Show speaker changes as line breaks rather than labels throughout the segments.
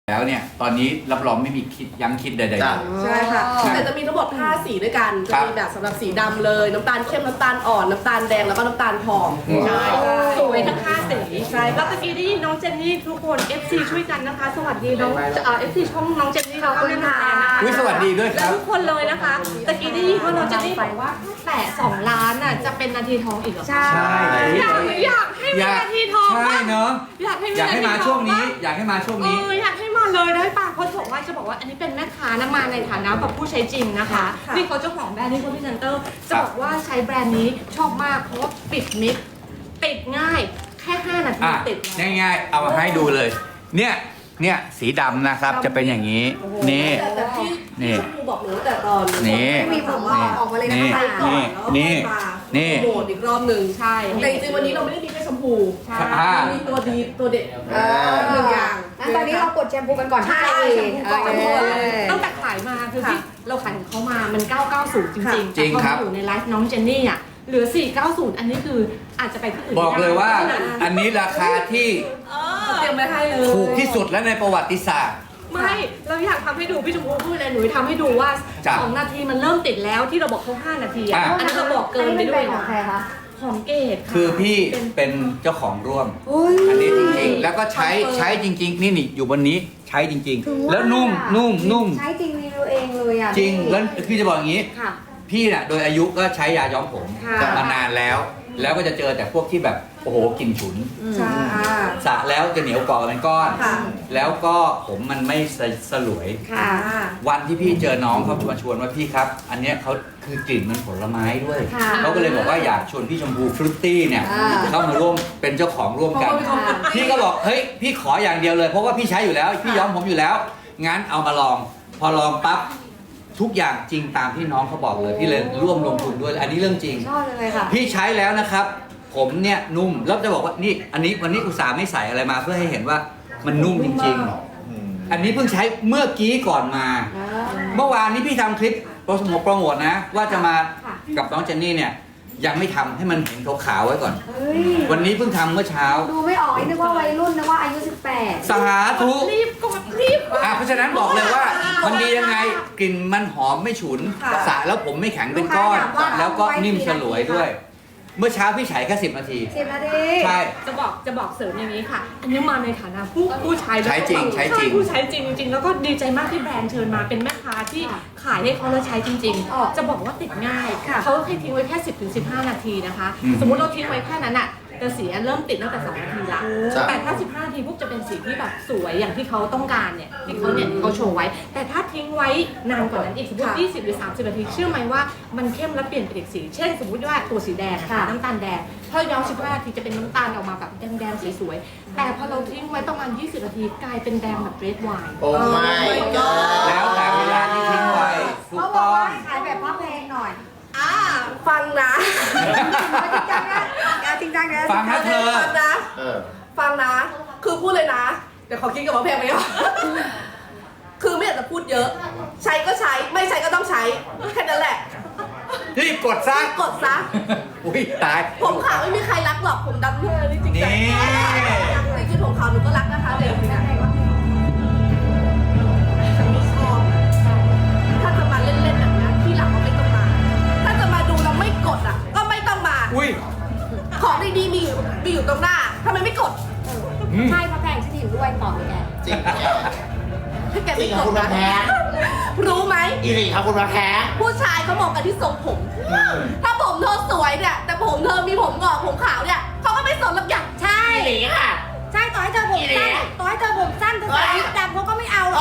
แล้วเนี่ยตอนนี้รับรองไม่มีคิดยั้งคิดใดๆเลย
ใช่ค่ะแต่จะมีทั้งหมด5สีด้วยกันจะมีแบบสำหรับสีดำเลยน้ำตาลเข้มน้ำตาลอ่อนน้ำตาลแดงแล้วก็น้ำตาลทองใช่
สวยทั้ง5สีใช่แล้วตะกี้ได้ยินน้องเจนนี่ทุกคน FC ช่วยกันนะคะ สวัสดีน้องFC ช่องน้องเจนนี่เราก็เล่นแทนนะคะ
อุ๊ยสวัสดีด้วยค
และ
รับ
ทุกคนเลยนะคะตะกี้ได้ยินว่าน้องเจนนี่บอกว่าแต่2 ล้านน่ะจะเป็นนาทีทองอีกเหรอ
ใช่
อยากให้มีนาทีทอง
ใช่
บ้าง
เนาะ
อยากให้มี
อยากให้มา
นาทีทอง
ช่วงนี้
บ้
อยากให้มาช่วง
เอ
นี้
ออยากให้มาเลยได้ป่ะเพราะจะบอกว่าอันนี้เป็นแม่ค้านะมาในฐานะแบบผู้ใช้จริงนะคะนี่เขาเจ้าของแบรนด์นี่เขาพรีเซนเตอร์จะบอกว่าใช้แบรนด์นี้ชอบมากเพราะว่าปิดมิดติดง่ายแค่5 นาที
อ่ะ
ติดแล้ว
ง่ายๆเอามาให้ดูเลย เนี่ยสีดำนะครับจะเป็นอย่างนี้นี่
แต่ที่
นี่
ชมพูบอกหนูแต่ตอน
นี่
ไม่มีผมว่าออกมาเลยนะ
นี่
ไปก่อน
นี่
แล้ว
นี่
โหมดอีกรอบหนึ่ง
ใช่
แต่จริงๆวันนี้เราไม่ได้มีแค่ชมพู
ใช่
อ่า
มีตัวดีตัวเด็ดหนึ่งอย่าง
งั้นตอนนี้เรากดแชมพูกันก่อน
ใช่
ที่
แชมพูก่อน
ตั้งแต่ขายมาคือ
ค่ะ
ที่เราขายของเขามามัน 990 จริงๆ
จริง
แต่พอ
ครั
มา
บ
อยู่ในไลฟ์น้องเจนนี่อ่ะเหลือ 490 อันนี้คืออาจจะไปที่อื่น
บอกเลยว่า
ไม่ได้
อันนี้ราคาที่
เตรียมไว้ให้เลย
ถูกที่สุดและในประวัติศาสตร์
ไม่เราอยากทำให้ดูพี่ชมพูพูดเลยหนูทำให้ดูว่า
จ้ะ
2 นาทีมันเริ่มติดแล้วที่เราบอกเขา5 นาทีอ่ะ
อ่ะ
อันนั้นเราบอกเกินไปด้วย
ของใครคะ
ของเกดะ
คือพี่
เป็น
เป็นเจ้าของร่วม
อุ้ย
อันนี้จริงๆ แล้วก็ใช้จริงๆ นี่อยู่บนนี้ใช้จริงๆ แล้วนุ่ม
ใช้จริงรีวิวเองเลยอ่ะ
จริงแล้วพี่จะบอกอย่างนี้
ค่ะ
พี่น่ะโดยอายุก็ใช้ยาย้อมผม
ค่ะ
มานานแล้ว แล้วก็จะเจอแต่พวกที่แบบโอ้โหกลิ่นฉุน
ใช่
สระแล้วจะเหนียวเกาะกันเป็นก้อน
ค่ะ
แล้วก็ผมมันไม่สลวย
ค่ะ
วันที่พี่เจอน้องเขามาชวนว่าพี่ครับ อันเนี้ยเขาคือกลิ่นมันผลไม้ด้วย
ค่ะ
เขาก็เลยบอกว่าอยากชวนพี่ชมพูฟรุตตี้เนี่ย
อ่า
เข้ามาร่วมเป็นเจ้าของร่วมกัน พี่ก็บอกเฮ้ยพี่ขออย่างเดียวเลยเพราะว่าพี่ใช้อยู่แล้วพี่ย้อมผมอยู่แล้ว งั้นเอามาลอง พอลองปั๊บทุกอย่างจริงตามที่น้องเขาบอกเลยพี่เลยร่วมลงทุนด้วยอันนี้เรื่องจริง
ชอบเลยค่ะ
พี่ใช้แล้วนะครับ ผมเนี่ยนุ่มแล้วจะบอกว่านี่อันนี้วันนี้อุตส่าห์ไม่ใส่อะไรมาเพื่อให้เห็นว่ามันนุ่มจริงๆ อันนี้เพิ่งใช้เมื่อกี้ก่อนมา เมื่อวานนี้พี่ทำคลิปโปรโมทนะ ว่าจะมากับน้องเจนนี่เนี่ยยังไม่ทำให้มันเห็นขาวๆไว้ก่อน
เฮ้ย
วันนี้เพิ่งทำเมื่อเช้า
ดูไม่ออกนึกว่าวัยรุ่นนึกว่าอายุ 18
สาธุ
รีบกดรีบ
เพราะฉะนั้นบอกเลยว่ามันดียังไงกลิ่นมันหอมไม่ฉุนสระแล้วผมไม่แข็งเป็นก้อน แล้วก็นิ่มสลวยด้วย เมื่อเช้าพี่ใช้แค่10 นาที
10 นาที
ใช่
จะบอกเสริมอย่างนี้ค่ะ อันนี้มาในฐานะผู้ใช้ด้วย
ใช้จริงใช้จริง
ผู้ใช้จริงจริงๆแล้วก็ดีใจมากที่แบรนด์เชิญมาเป็นแม่ค้าที่ขายให้เขาแล้วใช้จริง ๆ จะบอกว่าติดง่ายเขาให้ทิ้งไว้แค่ 10-15 นาทีนะคะ สมมุติเราทิ้งไว้แค่นั้นอะแต่สีเริ่มติดตั้งแต่2 นาทีละแต่ถ้า15 นาทีปุ๊บจะเป็นสีที่แบบสวยอย่างที่เขาต้องการเนี่ยที่เขาโชว์ไว้ แต่ถ้าทิ้งไว้นานกว่านั้นอีกสมมติ20 หรือ 30 นาทีเชื่อไหมว่ามันเข้มและเปลี่ยนเป็นอีกสี เช่น สมมติว่าตัวสีแดงนะคะน้ำตาลแดงพอย้อม15 นาทีจะเป็นน้ำตาลออกมาแบบแดงๆสวยๆแต่พอเราทิ้งไว้ประมาณ20 นาทีกลายเป็นแดงแบบเรดไวน์
โอ้ไม่
แล้วแต่เวลาที่ทิ้งไว้ถูก
เขาบอ
ต้
ก
อง
ว่าขายแบบภาพเพลงหน่อย
ฟังนะ
จริงจังนะจริงจังนะ
ฟังนะเธอ
ฟังนะ
เออ
ฟังนะ คือพูดเลยนะ เดี๋ยวขอคิดกับว่าเพลงไปก่อนคือไม่อยากจะพูดเยอะ ใช้ก็ใช้ ไม่ใช้ก็ต้องใช้ แค่นั้นแหละ
รีบกดซะ
กดซะ
อุ้ยตาย
ผมขาวไม่มีใครรักหรอก ผมดำเลยนี่จริงใจ
นี่
จริงๆผมขาวหนูก็รักนะคะเดี๋ยวนี้ฉันไม่ชอบถ้าจะมาเล่นๆแบบนี้ที่หลังก็ไม่ต้องมา ถ้าจะมาดูแล้วไม่กดอ่ะ ก็ไม่ต้องมา
อุ้ย
ของดีๆมีอยู่ตรงหน้าทำไมไม่กด
ใช่พระแพงฉันเห็นด้วยต่อเลยแก
จริงแก
ถ้าแก
จริ
ไม่
ง
ก
ค่ะ
ด
คุณมา
นะ
แพ้
รู้ไหม
อีหลีค่ะคุณมาแพ้
ผู้ชายเขามองกันที่ทรงผม ถ้าผมเธอสวยเนี่ย แต่ผมเธอมีผมงอกผมขาวเนี่ยเขาก็ไม่สนหรอกอย่าง
ใช่
อีหลีค่ะ
ใช่ต่อให้เธอผมสั้นต่อให้เธอผมสั้นเธอใส่วิกดำเขาก็ไม่เอาหรอก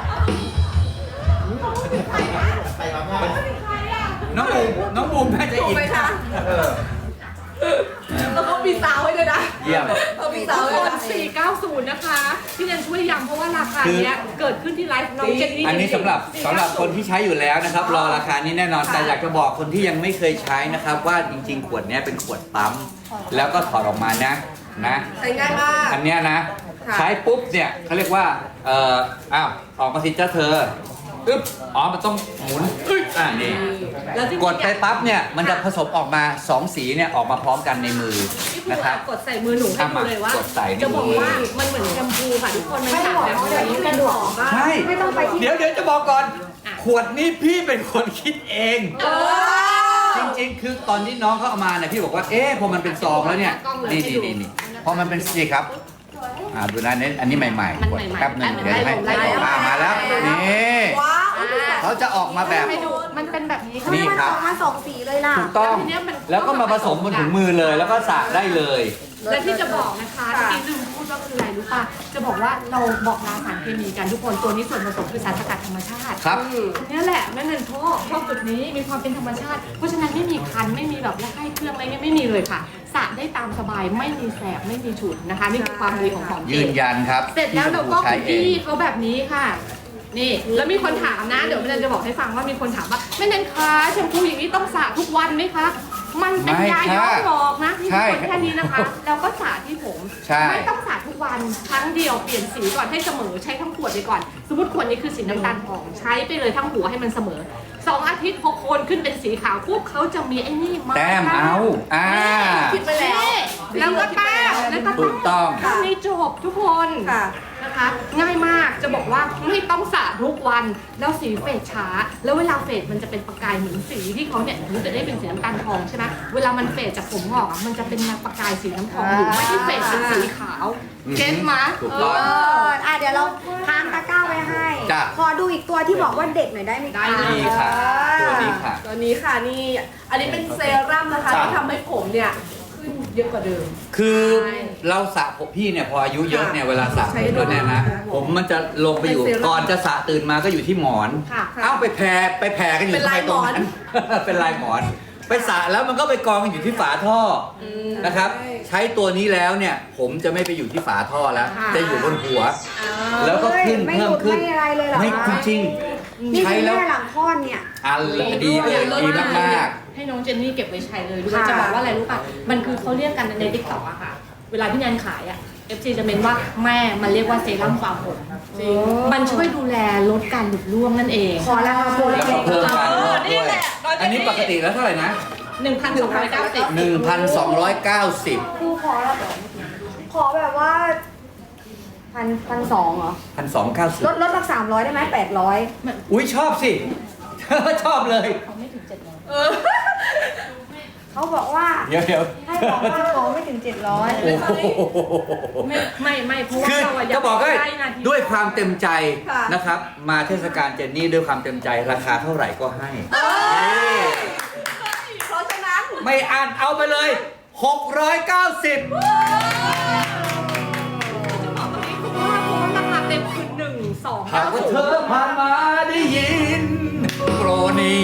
ไปมาม่า
น้องบูมน่าจะ
ถูก
อิน
ไหมคะ
เออ
แล้วก็มีซาวให้ด้วยนะ
เยี่ยม
เขามี
ทุ
ซาว
ก
ให้
ค
ด้วย
น
นะ
490 นะคะพี่เนนช่วยย้ำเพราะว่าราคาเนี้ยเกิดขึ้นที่ไลฟ์น้องเจนนี่
อันนี้สำหรับคนที่ใช้อยู่แล้วนะครับ รอราคานี้แน่นอน แต่อยากจะบอกคนที่ยังไม่เคยใช้นะครับ ว่าจริงๆ ขวดเนี้ยเป็นขวดปั๊ม แล้วก็ถอดออกมานะ
ใช้ง่ายมาก
อันเนี้ยนะ
ค่ะ
ใช้ปุ๊บเนี่ยเขาเรียกว่าอ้าวออกมาสิจ้าเธออึ๊บอ๋อมันต้องหมุนอึ๊บนี่
แล้วจริงๆ
กดไปปั๊บเนี่ยมันจะผสมออกมา2สีเนี่ยออกมาพร้อมกันในมือ
พี่ภู
นะครับ
กดใส่มือหนูให้ดูเลยว่าก
ดใส่ในมือ
จะบอกว่ามันเหมือนแชมพูค่ะทุกคนมันสระแบบนี้มันหอมมาก
ใช่
ไม่ต้องไปที่
เดี๋ยวจะบอกก่อน ขวดนี้พี่เป็นคนคิดเอง จริงๆ คือตอนที่น้องเขาเอามาเนี่ยพี่บอกว่าเอ๊ะพอมันเป็นซองแล้วเนี่ยนี่พอมันเป็นสีครับดูนะเนี่ยอันนี้ใหม่ๆกดแป๊บหนึงเดี๋ยวให้มาแล้วนี่
ว้าว
เขาจะออกมาแบบ
ให้ดูมันเป็นแบบนี้
ทำไม
นี่
มัน
ครั
อบ อกมา2 สีเลยล่ะ
ถูกต้อง แล้วก็มาผสมบนถุงมือเลยแล้วก็สระได้เลย
และที่จะบอกนะคะที่ลืมพูดว่าคืออะไรรู้ป่ะจะบอกว่าเราบอกลาสารเคมีกันทุกคนตัวนี้ส่วนผสมคือสารสกัดธรรมชาติ
ครับ
นี่แหละแม่เงินชอบจุดนี้มีความเป็นธรรมชาติ เพราะฉะนั้นไม่มีคันไม่มีแบบละให้เครื่องอะไรเงี้ยไม่มีเลยค่ะสระได้ตามสบายไม่มีแสบไม่มีฉุนนะคะนี่คือความดีของของ
ยืนยันครับ
เสร็จแล้วเราก็
ใช้
คุก
เอ
กี้
ง
เขาแบบนี้ค่ะ นี่แล้วมีคนถามนะเดี๋ยวแม่เนนจะบอกให้ฟังว่ามีคนถามว่าแม่เนนคะแชมพูอย่างนี้ต้องสระทุกวันไหมคะมันเป็นยาย้อมหลอกนะที่ทุกคนแค่นี้นะคะแล้วก็สระที่ผม
ใช่
ไม่ต้องสระทุกวันครั้งเดียวเปลี่ยนสีก่อนให้เสมอใช้ทั้งขวดไปก่อน สมมติขวดนี้คือสีน้ำตาลทองใช้ไปเลยทั้งหัวให้มันเสมอ2 อาทิตย์พอโคนขึ้นเป็นสีขาวปุ๊บเขาจะมีไอ้นี่มา
แต้มเอา
คิดไปแล้ว
แล้วก็แต้มแล้วก็
ถูกต้อง
ทำนี้จบทุกคน
ค่ะ
นะคะง่ายมากจะบอกว่าไม่ต้องสระทุกวันแล้วสีเฟดช้า แล้วเวลาเฟดมันจะเป็นประกายเหมือนสีที่เขาเนี่ยมันจะได้เป็นสีน้ำตาลทองใช่ไหมเวลามันเฟดจากผมงอกอะมันจะเป็นประกายสีน้ำทองอยู่ไม่ได้เฟดเป็นสีขาวเก็ตไหม
ถูกต้อง
เดี๋ยวเราทางตะกร้าไว้ให้
จ้ะ
ขอดูอีกตัวที่บอกว่าเด็กหน่อยได้ไหมคะ
นี่ค่ะ ตัวนี้ค่ะ
ตัวนี้ค่ะนี่อันนี้เป็นเซรั่มนะคะที่ทำให้ผมเนี่ยขึ้นเยอะกว่าเดิม
คือเราสระผมพี่เนี่ยพออายุเยอะเนี่ยเวลาสระผมด้วยเนี่ยนะผมมันจะลงไปอยู่
เป็นเซรั่ม
ก่อนจะสระตื่นมาก็อยู่ที่หมอน
ค่ะ
เอ้าไปแผ่กันอยู่
เป็น
ทำ
ลา
ไม
ย
ตรงนั้น
หมอน
เป็นลายหมอน ไปสระแล้วมันก็ไปกองกันอยู่ที่ฝาท่ออนะครับ ใช้ตัวนี้แล้วเนี่ย ผมจะไม่ไปอยู่ที่ฝาท่อแล้ว จะอยู่บนหัว แล้วก็ขึ้น
ไม่
เพิ่
ห
ม
ลุด
ขึ้น
ไม่อะไรเลยเหรอ
ไม่
คะ
จริง
นี่
ใช้
คือ
แล้ว
แม่หลังคลอดเนี่ย
อันดีเลยดีมาก
ให้น้องเจนนี่เก็บไว้ใช้เลยด้วย
ค่ะ
จะบอกว่าอะไรรู้ป่ะมันคือเขาเรียกกันในติ๊กต็อกอะค่ะเวลาพี่แนนขายอะ FC จะเมนว่าแม่มันเรียกว่าเซรั่มฟาร์มผมจริงมันช่วยดูแลลดการหลุดร่วงนั่นเอง
ขอราคาโปร
ๆ แล้ว
เล็
ก็
ก
เพิ่มการงอก
นี่
ด้วย
แหละร้อยเปอร์เซ็นต์
อันนี้ปกติแล้วเท่าไหร่นะ
1,290
1,290
ครูขอแบบว่า1,200เหรอ
1,290
ลดสัก300ได้ไหม800
อุ้ยชอบสิ ชอบเลย
เขาบอกว่า
เดี๋ยว
ให้บอกว่าขอไม่ถึง700
โอ้โห
ไม่เพราะว่า
คือ
เราอะอยา
จะ
ก
บอกให้
ได้นาที
ด้วยความเต็มใจ
ค่ะ
นะครับ มาเทศกาลเจนนี่ด้วยความเต็มใจราคาเท่าไหร่ก็ให้นี่
เพราะฉะนั้น
ไม่อ่านเอาไปเลย 690
จะบอกตรงนี้คือว่าเพราะว่าราคาเต็มคือ1
หากว่าเธอผ่านมาได้ยินโปรนี้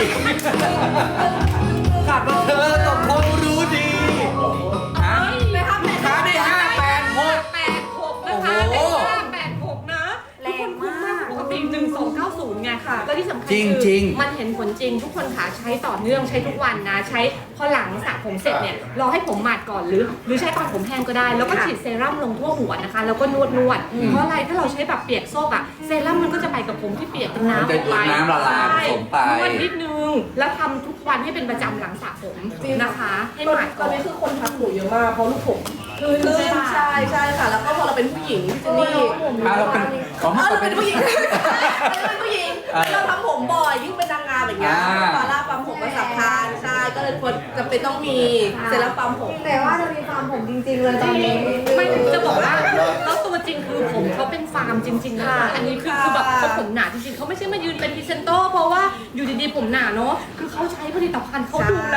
หากว่าเธอต้องคงรู้ดีฮะ
ไม่ครับแม่
ค้าได้586
86นะคะ
โอ้
เต็
โห
ม586นะ
แรงมาก
ปกติ1290ไงค่ะแล้วที่สำคัญ
จริง
คือ
จริง
มันเห็นผลจริงทุกคนค่ะใช้ต่อเนื่องใช้ทุกวันนะใช้พอหลังสระผมเสร็จเนี่ยรอให้ผมหมาดก่อนหรือใช้ตอนผมแห้งก็ได้ แล้วก็ฉีดเซรั่มลงทั่วหัวนะคะแล้วก็นวดเพราะอะไรถ้าเราใช้แบบเปียกโซกอะเซรั่มมันก็จะไปกับผมที่เปียกเป็นน้ำ
มันจะดูดน้ำละลายผสมไป
นวดนิดนึงแล้วทำทุกวันให้เป็นประจำหลังสระผมนะคะ ให้หมาด
ต
ก่
อ
อน น
นี้คือคนทักหนูเยอะมากเพราะลูกผม
คือ
ใช่ค่ะ แล้วก็พอเราเป็นผู้หญิงพี่เจนนี่
เราเป็นของ
เราเป็นผู้หญิงเราเป็นผู้หญิงเราทำผมบ่อยยิ่งเป็นนางงามอย่างเงี้ยฟาร่าปั๊มผมก็สำคัญใช่ก็เลยควรจะเป็นต้องมีเซรั่มปั๊มผม
แต่ว่าจะมีฟาร์มผมจริงๆเลยตอนนี้
ไม่จะบอกว่าแล้วตัวจริงคือผมเขาเป็นฟาร์มจริงๆนะคะอันนี้คือแบบเขาผมหนาจริงๆเขาไม่ใช่มายืนเป็นพรีเซนเตอร์เพราะว่าอยู่ดีๆผมหนาเนาะคือเขาใช้ผลิตภัณฑ์เขาดูแล